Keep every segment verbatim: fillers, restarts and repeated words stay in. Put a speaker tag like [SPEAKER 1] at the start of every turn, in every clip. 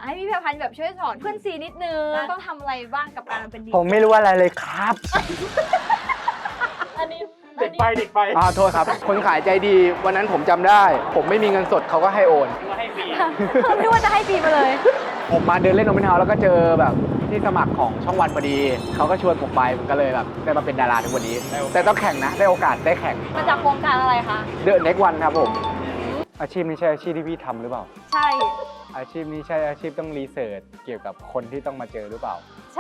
[SPEAKER 1] ให้พี่แพรพันธ์แบบช่วยสอนเพื่อนซีนิดนึงต้องทำอะไรบ้างกับการเป็นดีเจ
[SPEAKER 2] ผมไม่รู้อะไรเลยครับ
[SPEAKER 1] อันนี้
[SPEAKER 3] เด็กไปเด็กไป
[SPEAKER 2] อ่าโทษครับ คนขายใจดีวันนั้นผมจำได้ ผมไม่มีเงินสดเขาก็ให้โอน
[SPEAKER 3] ก็ให้ฟรี
[SPEAKER 1] ไม่ว่าจะให้ฟรีมาเลย
[SPEAKER 2] ผมมาเดินเล่นโอเปนเฮาส์แล้วก็เจอแบบที่สมัครของช่องวันพอดีเขาก็ชวนผมไปผมก็เลยแบบได้มาเป็นดาราทุกวันนี้ แต่ต้องแข่งนะได้โอกาสได้แข่ง
[SPEAKER 1] มาจากโครงการอะไรคะ
[SPEAKER 2] เดอะเน็กวันครับผมอาชีพนี้ใช่อาชีพที่พี่ทำหรือเปล่า
[SPEAKER 1] ใช่
[SPEAKER 2] อาชีพนี้ใช่อาชีพต้องรีเสิร์ชเกี่ยวกับคนที่ต้องมาเจอหรือเปล่า
[SPEAKER 1] ใช่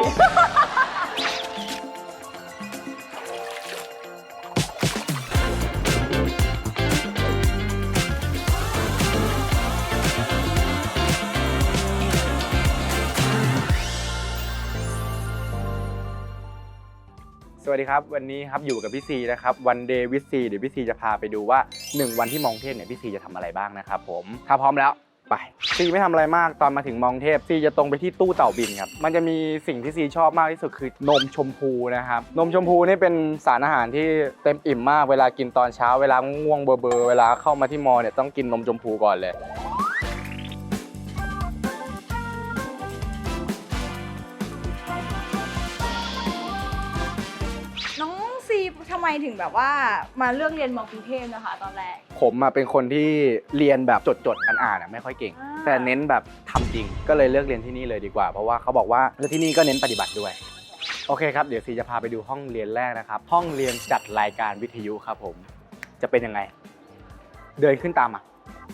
[SPEAKER 2] สวัสดีครับวันนี้ครับอยู่กับพี่ซีนะครับวันเดย์วิซีเดี๋ยวพี่ซีจะพาไปดูว่าหนึ่งวันที่มองเทพเนี่ยพี่ซีจะทำอะไรบ้างนะครับผมถ้าพร้อมแล้วไปซีไม่ทำอะไรมากตอนมาถึงมองเทพซีจะตรงไปที่ตู้เต่าบินครับมันจะมีสิ่งที่ซีชอบมากที่สุดคือนมชมพูนะครับนมชมพูนี่เป็นสารอาหารที่เต็มอิ่มมากเวลากินตอนเช้าเวลาง่วงเบอร์เบอร์เวลาเข้ามาที่มอเนี่ยต้องกินนมชมพูก่อนเลย
[SPEAKER 1] น้องซีทำไมถึงแบบว่ามาเลือกเรียนมอกรุงเทพนะคะตอนแรก
[SPEAKER 2] ผมมาเป็นคนที่เรียนแบบจดจดๆอ่านๆไม่ค่อยเก่ง
[SPEAKER 1] อ่า
[SPEAKER 2] แต่เน้นแบบทำจริงก็เลยเลือกเรียนที่นี่เลยดีกว่าเพราะว่าเขาบอกว่าแล้วที่นี่ก็เน้นปฏิบัติด้วยโอเคครับเดี๋ยวซีจะพาไปดูห้องเรียนแรกนะครับห้องเรียนจัดรายการวิทยุครับผมจะเป็นยังไงเดินขึ้นตามมา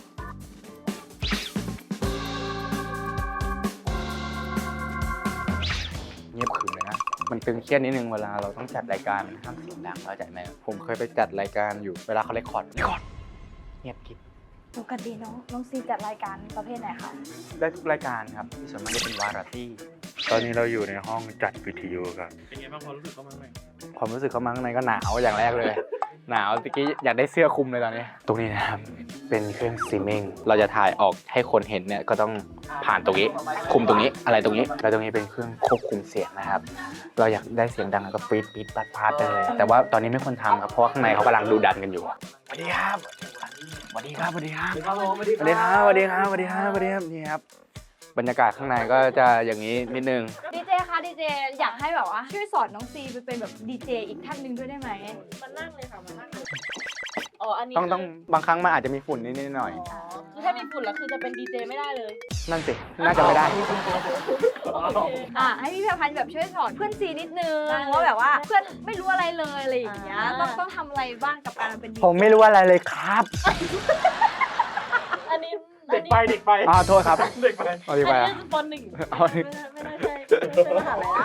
[SPEAKER 2] เงียบขรึมเลยนะมันตึงเครียดนิดนึงเวลาเราต้องจัดรายการมันห้ามเสียงดังเข้าใจไหมผมเคยไปจัดรายการอยู่เวลาเขาเรคคอร์ดเรคคอร์ดเงียบกิ๊บ
[SPEAKER 1] ปกติน้องน้องซีจัดรายการประเภทไหนคะ
[SPEAKER 2] ได้ทุกรายการครับที่ส่วนมากจะเป็นวาไรตี้ตอนนี้เราอยู่ในห้องจัดวิทยุครับ
[SPEAKER 3] เป็นไงบ้างความรู้สึกเขาบ้างไหม
[SPEAKER 2] ความรู้สึกเข้ามาข้างในก็หนาวอย่างแรกเลย หนาวตะกี้อยากได้เสื้อคลุมเลยตอนนี้ ตรงนี้นะครับเป็นเครื่องสตรีมมิ่งเราจะถ่ายออกให้คนเห็นเนี่ยก็ต้องผ่านตรงนี้คุมตรงนี้อะไรตรงนี้แล้วตรงนี้เป็นเครื่องควบคุมเสียงนะครับเราอยากได้เสียงดังก็ปี๊ดปี๊ดปัดพาดไปเลยแต่ว่าตอนนี้ไม่ควรทำครับเพราะว่าข้างในเขากำลังดูดันกันอยู่สวัสดีครับสวัสดีครับสวัสดีครับ
[SPEAKER 3] ครับผม
[SPEAKER 2] สวัสดีครับสวัสดีครับสวัสดีครับสวัสดีครับนี่ครับบรรยากาศข้างในก็จะอย่างนี้นิดนึง
[SPEAKER 1] ดีเจคะดีเจอยากให้แบบว่าช่วยสอนน้องซีไปเป็นแบบดีเจอีกท่านหนึ่งด้วยได้ไหม
[SPEAKER 4] มานั่งเลยค่ะมานั่งเลยอ๋ออันนี้
[SPEAKER 2] ต้องต้องบางครั้งมันอาจจะมีฝุ่นนิดๆหน่อย
[SPEAKER 4] อ๋อคือถ้ามีฝุ่นแล้วคือจะเป็นดีเจไม่ได้เลย
[SPEAKER 2] ๆนั่นสิน่าจะไม่ได้
[SPEAKER 1] อ่ะให้พี่แพรพันธ์แบบช่วยสอนเพื่อนซีนิดนึงว่าแบบว่าเพื่อนไม่รู้อะไรเลยอะไรอย่างเงี้ยต้องต้องทำอะไรบ้างกับการเป็นดีเจ
[SPEAKER 2] ผมไม่รู้อะไรเลยครับ
[SPEAKER 4] อันนี้
[SPEAKER 3] เด็กไปเด็กไป
[SPEAKER 2] อ่าโทษครับ
[SPEAKER 3] เด็กไป
[SPEAKER 2] เอาดี
[SPEAKER 4] อัน
[SPEAKER 2] ไป
[SPEAKER 4] นี้
[SPEAKER 2] อ่ะ
[SPEAKER 4] คือปหนึ่ง
[SPEAKER 2] เอาดิ
[SPEAKER 4] ไม่น่าไม่น่าใช่ไม่ใช่มหาลัยละ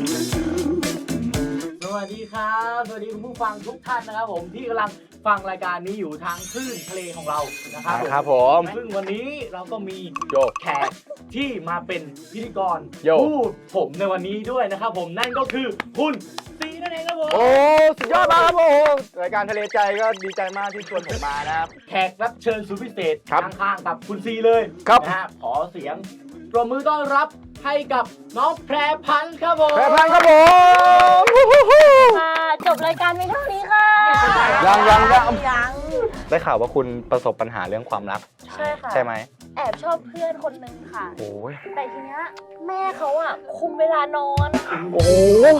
[SPEAKER 3] สวัสดีครับสวัสดีคุณผู้ฟังทุกท่านนะครับผมที่กำลังฟังรายการนี้อยู่ทางคลื่นทะเลของเรานะครับ
[SPEAKER 2] ครับผม
[SPEAKER 3] ซึ่งวันนี้เราก็มี
[SPEAKER 2] โย
[SPEAKER 3] แขกที่มาเป็นพิธีกร
[SPEAKER 2] โย
[SPEAKER 3] พูดผมในวันนี้ด้วยนะครับผมนั่นก็คือคุณซีนั่นเองครับผม
[SPEAKER 2] โอ้สุดยอดมากครับผมรายการทะเลใจก็ดีใจมากที่ชวนผมมานะครับ
[SPEAKER 3] แขกรับเชิญสุดพิเศษ
[SPEAKER 2] ครับ
[SPEAKER 3] ข้างๆกับคุณซีเลย
[SPEAKER 2] ครับ
[SPEAKER 3] นะฮะขอเสียงปรบมือต้อนรับให้กับน้องแพรพันธ์ครับผม
[SPEAKER 2] แพรพันธ์ครับผม
[SPEAKER 4] ค่ะจบรายการเพียงเท่านี้ค่ะ
[SPEAKER 2] ยังยังยัง
[SPEAKER 4] ยัง
[SPEAKER 2] ได้ข่าวว่าคุณประสบปัญหาเรื่องความรัก
[SPEAKER 4] ใช่ค่ะ
[SPEAKER 2] ใช่ไหม
[SPEAKER 4] แอบชอบเพื่อนคนหนึ่งค่ะ
[SPEAKER 2] โอ้ย
[SPEAKER 4] แต่ทีเนี้ยแม่เขาอ่ะคุมเวลานอน
[SPEAKER 2] โอ้โห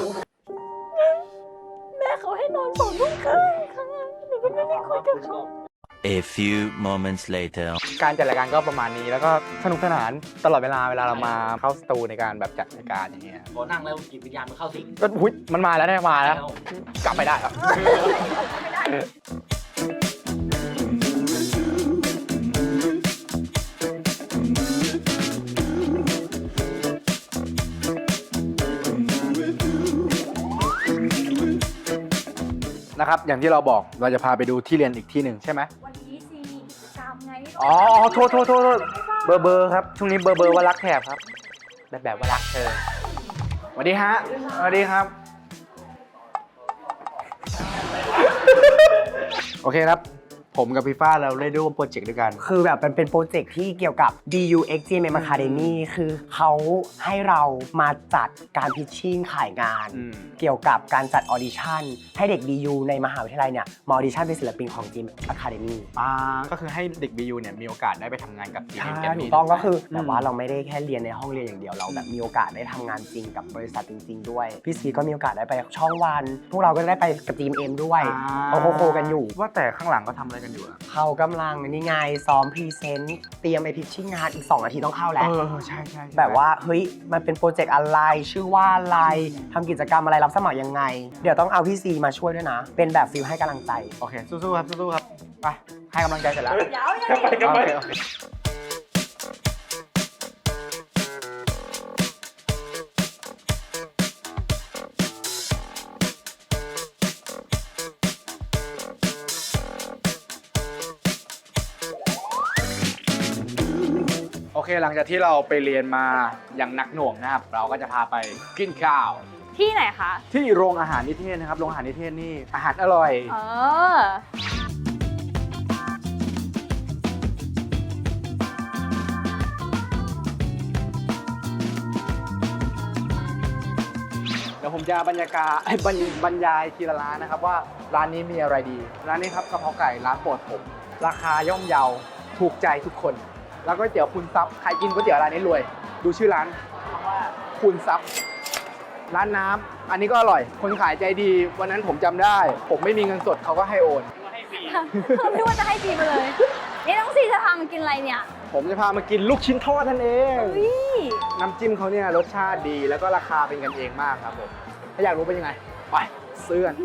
[SPEAKER 4] แม่เขาให้นอนสองทุ่มครึ่งค่ะหนูก็ไม่ได้คุยกับเขา
[SPEAKER 5] A few moments later.
[SPEAKER 2] การจัดรายการก็ประมาณนี้แล้วก็สนุกสนานตลอดเวลาเวลาเรามาเข้าสตูในการแบบจัดรายการอย่างเงี้ย
[SPEAKER 3] พอนั่งแล้วจิตวิญญาณมันเข้าสิง
[SPEAKER 2] ก็หุ้ยมันมาแล้วได้มาแล้ว กลับไปได้ครับ นะครับอย่างที่เราบอกเราจะพาไปดูที่เรียนอีกที่หนึ่งใช่ไหม
[SPEAKER 1] วันนี้ซีมีกิจกรรมไง
[SPEAKER 2] อ๋อโทษโทษโทษโทษเบอร์เบอร์ครับช่วงนี้เบอร์เบอร์ว่ารักแถบครับแบบแบบว่ารักเธอสวัสดีฮะสวัสดีครับ โอเคครับผมกับพี่ฟ้าเราได้ร่วมโปรเจกต์ด้วยกัน
[SPEAKER 4] คือแบบมันเป็นโปรเจกต์ที่เกี่ยวกับ ดี ยู เอ็กซ์ จี เอ็ม เอ็ม Academy คือเขาให้เรามาจัดการพิชชิ่งขายงาน
[SPEAKER 2] อืม
[SPEAKER 4] เกี่ยวกับการจัดออดิชั่นให้เด็ก ดี ยู ในมหาวิทยาลัยเนี่ยมาออดิชั่นเป็นศิลปินของ จี เอ็ม Academy
[SPEAKER 2] อ่าก็คือให้เด็ก บี ยู เนี่ยมีโอกาสได้ไปทำงานกับ จี เอ็ม
[SPEAKER 4] ใช่
[SPEAKER 2] Academy
[SPEAKER 4] ถูกต้องก็คือ
[SPEAKER 2] ม
[SPEAKER 4] แต่ว่าเราไม่ได้แค่เรียนในห้องเรียนอย่างเดียวเราแบบมีโอกาสได้ทำงานจริงกับบริษัทจริง ๆ ด้วยพี่ซีก็มีโอกาสได้ไปช่องวัน พวกเราก็ได้ไปกับ จี เอ็ม เอ็ม ด้วยเขาโคๆกันอยู่
[SPEAKER 2] ว่าแต่ข้างหลังก็ทำอะไรกันอยู่อะ
[SPEAKER 4] เขากำลังนี่ไงซ้อมพรีเซนต์เตรียมไปพิชชิ่งงานอีกสองนาทีต้องเข้าแล้ว
[SPEAKER 2] เออใช่ใช่ใช่
[SPEAKER 4] แบบว่าเฮ้ยมันเป็นโปรเจกต์อะไรชื่อว่าอะไรทำกิจกรรมอะไรรับสมัครยังไง เดี๋ยวต้องเอาพี่ซีมาช่วยด้วยนะ เป็นแบบฟิลให้กำลังใจ
[SPEAKER 2] โอเคสู้ๆครับสู้ๆครับไปให้กำลังใจเสร็จแล้ว
[SPEAKER 1] เดี๋ยวยัง
[SPEAKER 3] ไปกันไป
[SPEAKER 2] โอเคโอเคโอเคหลังจากที่เราไปเรียนมาอย่างหนักหน่วงนะครับ เราก็จะพาไปกินข้าว
[SPEAKER 1] ที่ไหนคะ
[SPEAKER 2] ที่โรงอาหารนิเทศนะครับโรงอาหารนิเทศนี่อาหารอร่อย
[SPEAKER 1] เออ
[SPEAKER 2] เดี๋ยวผมจะบรรยากาศ บรรบรรยายทีละร้านนะครับว่าร้านนี้มีอะไรดี ร้านนี้ครับกะเพราไก่ร้านโปรดผม ราคาย่อมเยาถูกใจทุกคน แล้วก็ก๋วยเตี๋ยวคุณซับใครกินก๋วยเตี๋ยวร้านนี้รวย ดูชื่อร้านว่าคุณซับร้านน้ำอันนี้ก็อร่อย คนขายใจดี วันนั้นผมจำได้ ผมไม่มีเงินสดเขาก็ให้โอน
[SPEAKER 1] ไม่ว่าจะให้จีมาเลย นี่น้องซีจะพามากินอะไรเนี่ย
[SPEAKER 2] ผมจะพามากินลูกชิ้นทอดนั่นเอง
[SPEAKER 1] เฮ้ย
[SPEAKER 2] น้ำจิ้มเขาเนี่ยรสชาติดีแล้วก็ราคาเป็นกันเองมากครับผม ถ้าอยากรู้เป็นยังไง ไปซื้อกัน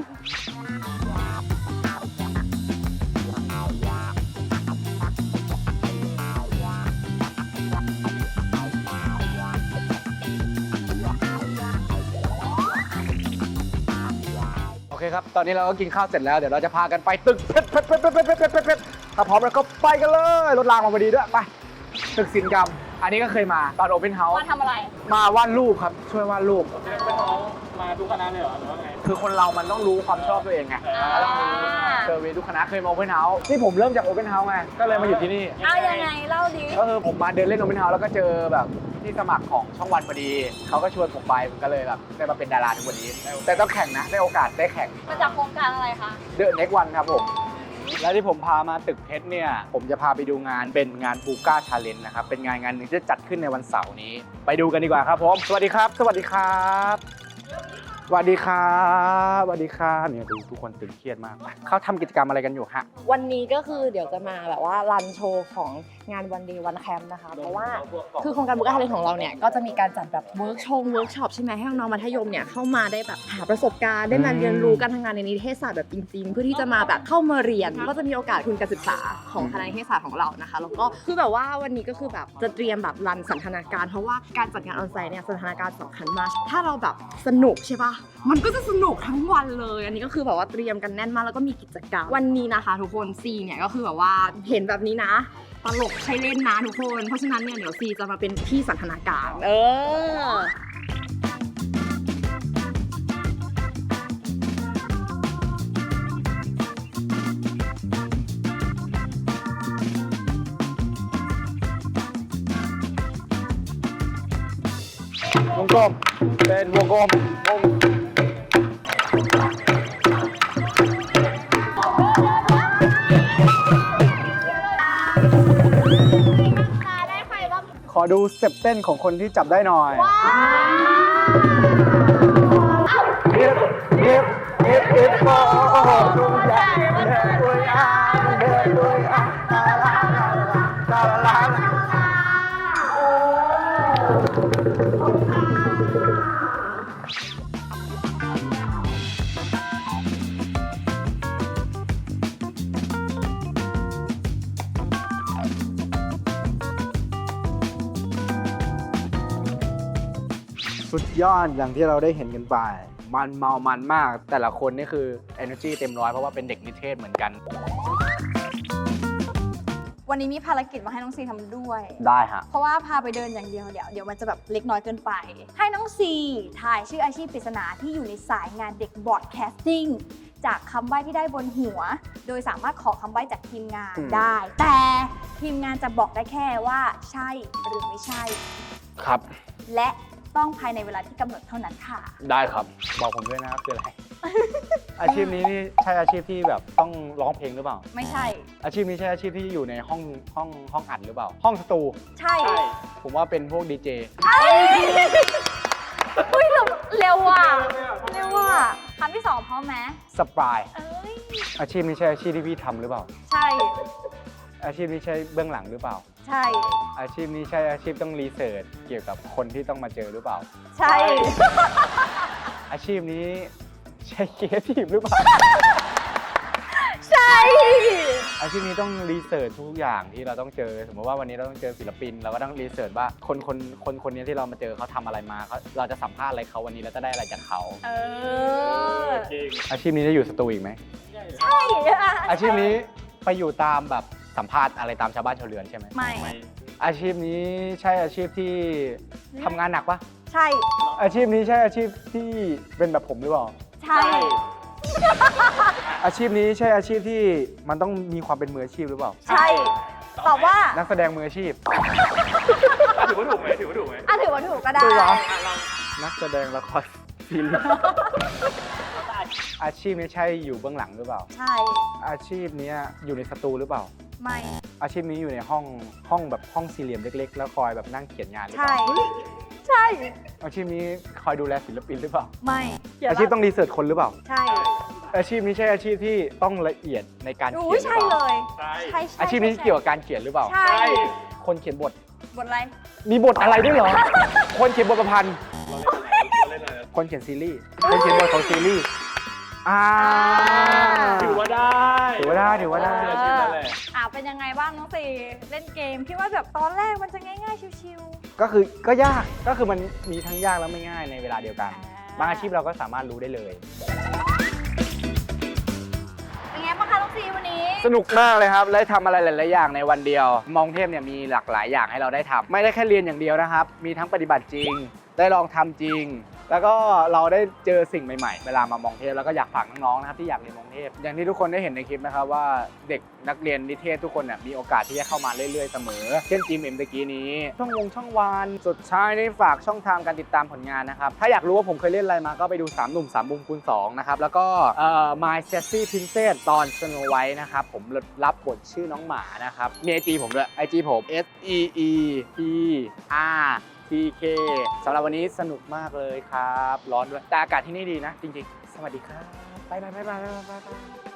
[SPEAKER 2] โอเคครับ ตอนนี้เราก็กินข้าวเสร็จแล้ว เดี๋ยวเราจะพากันไปตึกเพชรเพชรเพชรเพชรเพชรเพชรเพชรเพชรถ้าพร้อมแล้วก็ไปกันเลย รถรางมาพอดีด้วย ไป ตึกศิลปกรรม อันนี้ก็เคยมาตอนโอเพนเฮาส์
[SPEAKER 1] มาทำอะไร
[SPEAKER 2] มาวาดรูปครับ ช่วยวาดรูป
[SPEAKER 3] เป็นน้องมาทุกคณะเลยเหรอหรือว่าไง
[SPEAKER 2] คือคนเรามันต้องรู้ความชอบตัวเองไง
[SPEAKER 1] อ่า
[SPEAKER 2] เซอร์เวย์ทุกคณะเคยมาโอเพนเฮาส์นี่ผมเริ่มจากโอเพนเฮาส์ไง ก็เลยมาอยู่ที่นี่
[SPEAKER 1] เอายังไงเล่าดิ
[SPEAKER 2] ก็คือผมมาเดินเล่นโอเพนเฮาส์แล้วก็เจอแบบที่สมัครของช่องวันพอดี เขาก็ชวนผมไปผมก็เลยแบบได้มาเป็นดาราทุกวันนี้ แต่ต้องแข่งนะ ได้โอกาสได้แข่ง
[SPEAKER 1] มาจากโครงการอะไรคะ
[SPEAKER 2] เดอะเน็กวันครับผม และที่ผมพามาตึกเพชรเนี่ย ผมจะพาไปดูงานเป็นงานบูก้าชาเลนจ์นะครับ เป็นงานงานหนึ่งที่จะจัดขึ้นในวันเสาร์นี้ ไปดูกันดีกว่าครับผม สวัสดีครับ สวัสดีครับ สวัสดีครับสวัสดีครับเนี่ยดูทุกคนตึงเครียดมากเขาทำกิจกรรมอะไรกันอยู่ฮะ
[SPEAKER 6] วันนี้ก็คือเดี๋ยวจะมาแบบว่ารันโชว์ของงานวันเดย์วันแคมป์นะคะ เพราะว่าคือโครงการบุ๊กอาร์ของเราเนี่ยก็จะมีการจัดแบบเวิร์กชงเวิร์กช็อปใช่ไหมให้น้องๆมัธยมเนี่ยเข้ามาได้แบบหาประสบการณ์ได้มาเรียนรู้การทำงานในนิเทศศาสตร์แบบจริงๆ เพื่อที่จะมาแบบเข้ามาเรียนก็จะมีโอกาสทุนการศึกษาของคณะนิเทศศาสตร์ของเรานะคะแล้วก็คือแบบว่าวันนี้ก็คือแบบจะเตรียมแบบรันสันทนาการเพราะว่าการจัดงานออนไซต์เนี่ยสันทนาการสำคัญมากถ้าเราแบบสนุกใช่ปะมันก็จะสนุกทั้งวันเลยอันนี้ก็คือแบบว่าเตรียมกันแน่นมากแล้วก็มีกิจกรรมวันนี้นะคะทุกคนซีเนี่ยก็คือแบบว่าเห็นแบบนี้นะตลกใช้เล่นนะทุกคนเพราะฉะนั้นเนี่ยเดี๋ยวซีจะมาเป็นที่สันทนาการเออ
[SPEAKER 2] วงกลมเป็นวงกลมวงขอดูสเต็ปเต้นของคนที่จับได้หน่อยเอฟเอฟเอฟเอฟโอ้โหดูใหญ่เดินด้วยอ่ะเดินด้วยอ่ะลาลาลาลาลาสุดยอดอย่างที่เราได้เห็นกันไป มันเมามันมาก แต่ละคนนี่คือ energy เต็มร้อยเพราะว่าเป็นเด็กนิเทศเหมือนกัน
[SPEAKER 1] วันนี้มีภารกิจมาให้น้องซีทำด้วย
[SPEAKER 2] ได้ฮะ
[SPEAKER 1] เพราะว่าพาไปเดินอย่างเดียวเดี๋ยวเดี๋ยวมันจะแบบเล็กน้อยเกินไป ให้น้องซีถ่ายชื่ออาชีพปริศนาที่อยู่ในสายงานเด็กบอร์ดแคสติ้งจากคำใบ้ที่ได้บนหัว โดยสามารถขอคำใบ้จากทีมงาน
[SPEAKER 2] อืม
[SPEAKER 1] ได้ แต่ทีมงานจะบอกได้แค่ว่าใช่หรือไม่ใช่
[SPEAKER 2] ครับ
[SPEAKER 1] และต้องภายในเวลาที่กำหนดเท่านั้นค่ะ
[SPEAKER 2] ได้ครับ บอกผมด้วยนะครับคืออะไร อาชีพนี้นี่ใช่อาชีพที่แบบต้องร้องเพลงหรือเปล่า
[SPEAKER 1] ไม่ใช่
[SPEAKER 2] อาชีพนี้ใช่อาชีพที่อยู่ในห้องห้องห้องอัดหรือเปล่า ห้องสตู
[SPEAKER 1] ใช่
[SPEAKER 2] ผมว่าเป็นพวกดีเจ
[SPEAKER 1] อุ้ยเร็วเร็วว่ะเร็วว่ะคำที่สองพร้อมไหม
[SPEAKER 2] สปาย
[SPEAKER 1] เอ้ย
[SPEAKER 2] อาชีพนี้ใช่อาชีพที่พี่ทำหรือเปล่า
[SPEAKER 1] ใช่
[SPEAKER 2] อาชีพนี้ใช่เบื้องหลังหรือเปล่า
[SPEAKER 1] ใช่
[SPEAKER 2] อาชีพนี้ใช่อาชีพต้องรีเสิร์ชเกี่ยวกับคนที่ต้องมาเจอหรือเปล่า
[SPEAKER 1] ใช่
[SPEAKER 2] อาชีพนี้ใช่ครีเอทีฟหรือเปล่า
[SPEAKER 1] ใช่
[SPEAKER 2] อาชีพนี้ต้องรีเสิร์ชทุกอย่างที่เราต้องเจอ สมมติว่าวันนี้เราต้องเจอศิลปิน เราก็ต้องรีเสิร์ชว่าคนคนคนคนนี้ที่เรามาเจอเขาทำอะไรมาเขาเราจะสัมภาษณ์อะไรเขาวันนี้แล้วจะได้อะไรจากเขา
[SPEAKER 1] เออ
[SPEAKER 2] อาชีพนี้จะอยู่สตูอีกไหม
[SPEAKER 1] ใช่อะ
[SPEAKER 2] อาชีพนี้ไปอยู่ตามแบบสัมภาษณ์อะไรตามชาวบ้านชาวเรือนใช่ไหม
[SPEAKER 1] ไม่
[SPEAKER 2] อาชีพนี้ใช่อาชีพที่ทำงานหนักปะ
[SPEAKER 1] ใช่
[SPEAKER 2] อาชีพนี้ใช่อาชีพที่เป็นแบบผมหรือเปล่า
[SPEAKER 1] ใช่
[SPEAKER 2] อาชีพนี้ใช่อาชีพที่มันต้องมีความเป็นมืออาชีพหรือเปล่า
[SPEAKER 1] ใช่ ตอบว่า
[SPEAKER 2] นักแสดงมืออาชีพ
[SPEAKER 3] ถือว่าถูกไหมถือว่าถูกไหม
[SPEAKER 1] อ่ะถือว่าถูกก็ได้
[SPEAKER 2] ถูกเหรอ นักแสดงละครซีรีส์อาชีพนี้ใช่อยู่เบื้องหลังหรือเปล่า
[SPEAKER 1] ใช่
[SPEAKER 2] อาชีพนี้อยู่ในสตูหรือเปล่า
[SPEAKER 1] ไม่
[SPEAKER 2] อาชีพนี้อยู่ในห้องห้องแบบห้องสี่เหลี่ยมเล็ก ๆ แล้วคอยแบบนั่งเขียนงานหรือเป
[SPEAKER 1] ใช่
[SPEAKER 2] ล่า
[SPEAKER 1] ใช่
[SPEAKER 2] อาชีพนี้คอยดูแลศิลปินหรือเปล่า
[SPEAKER 1] ไม่
[SPEAKER 2] อาชีพต้องรีเสิร์ชคนหรือเปล่า
[SPEAKER 1] ใช่
[SPEAKER 2] อาชีพนี้ใช่อาชีพที่ต้องละเอียดในการเขี
[SPEAKER 1] อุ้
[SPEAKER 2] ย
[SPEAKER 1] ย
[SPEAKER 2] นหรือ
[SPEAKER 1] ใช่
[SPEAKER 2] เป
[SPEAKER 1] เล
[SPEAKER 2] ล่าย
[SPEAKER 3] ใช่
[SPEAKER 1] ใช่ใช่
[SPEAKER 2] อาชีพนี้
[SPEAKER 1] ใช่
[SPEAKER 2] เกี่ยวกับการเขียนหรือเปล่า
[SPEAKER 1] ใช่
[SPEAKER 2] คนเขียนบท
[SPEAKER 1] บทอะไร
[SPEAKER 2] มีบทอะไรด้วยเหรอ คนเขียนบทประพันธ์ คนเขียนซีรีส์ คนเขียนบทของซีรีส์ อ่า
[SPEAKER 3] ถือว่าได้
[SPEAKER 2] ถือว่าได้ถือว่าได้
[SPEAKER 3] เชื่อชื่อนั่นแหละ
[SPEAKER 1] อ่าเป็นยังไงบ้างน้องสี่เล่นเกมคิดว่าแบบตอนแรกมันจะง่ายๆชิว
[SPEAKER 2] ก็คือก็ยาก ก็คือมันมีทั้งยากและไม่ง่ายในเวลาเดียวกัน
[SPEAKER 1] ๆ
[SPEAKER 2] บางอาชีพเราก็สามารถรู้ได้เลย
[SPEAKER 1] เป็นไงบ้างคะน้องสี่วันนี้
[SPEAKER 2] สนุกมากเลยครับ และทำอะไรหลาย ๆ อย่างในวันเดียว มองเทพเนี่ยมีหลากหลายอย่างให้เราได้ทำไม่ได้แค่เรียนอย่างเดียวนะครับ มีทั้งปฏิบัติจริง ได้ลองทำจริง แล้วก็เราได้เจอสิ่งใหม่ ๆ เวลามามองเทพแล้วก็อยากฝากน้อง ๆ นะครับที่อยากเรียนมองเทพ อย่างที่ทุกคนได้เห็นในคลิปนะครับว่าเด็กนักเรียนนิเทศทุกคนเนี่ยมีโอกาสที่จะเข้ามาเรื่อย ๆ เสมอ เช่นจีมเอ็มตะกี้นี้ ช่องวงช่องวานสุดท้ายนี่ฝากช่องทางการติดตามผลงานนะครับ ถ้าอยากรู้ว่าผมเคยเล่นอะไรมาก็ไปดูสามหนุ่มสามมุมคูณสองนะครับ แล้วก็เอ่อ My Sassy Princess ตอน Snow White นะครับ ผมรับบทชื่อน้องหมานะครับ มี ไอ จี ผมด้วย ไอ จี ผม S E E P Rที เค สำหรับวันนี้สนุกมากเลยครับ ร้อนด้วย แต่อากาศที่นี่ดีนะ จริงๆ สวัสดีครับ บ๊ายบายบ๊ายบายบ๊ายบาย